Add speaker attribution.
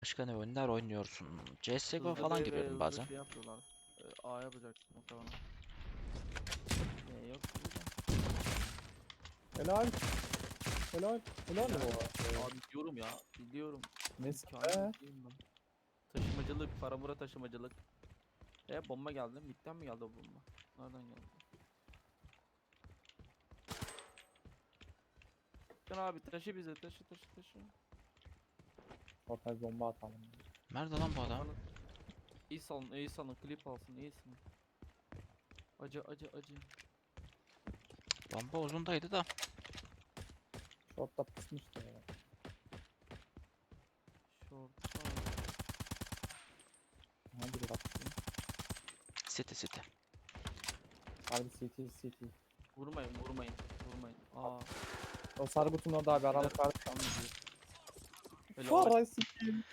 Speaker 1: Başka ne oyunlar oynuyorsun? CSGO
Speaker 2: Hızlı
Speaker 1: falan
Speaker 2: B ve
Speaker 1: giriyordum
Speaker 2: hızlı
Speaker 1: bazen.
Speaker 2: şey yapıyorlar. A yapacak muhtemelen. Yok.
Speaker 3: Helal. Helal. Helal mi bu?
Speaker 2: Abi biliyorum ya. Biliyorum.
Speaker 3: Neyse
Speaker 2: İmkanı
Speaker 3: be.
Speaker 2: değilim ben. Taşımacılık, paramura taşımacılık. Bomba geldi. Mid'den mi geldi o bomba? Nereden geldi? Sen abi taşı bize taşı.
Speaker 3: Ortaya bomba atalım.
Speaker 1: Nerede lan bu adam?
Speaker 2: Kafanı iyi salın, klip alsın, iyi salın. Acı.
Speaker 1: Bomba uzundaydı da.
Speaker 3: Short'ta pısmıştı ya.
Speaker 2: Short.
Speaker 3: Hadi bırak.
Speaker 1: City.
Speaker 3: Harbi CT.
Speaker 2: Vurmayın.
Speaker 3: O sarı kutunun orada abi. Aralık var.
Speaker 2: Öyle
Speaker 3: Faray sikiyim.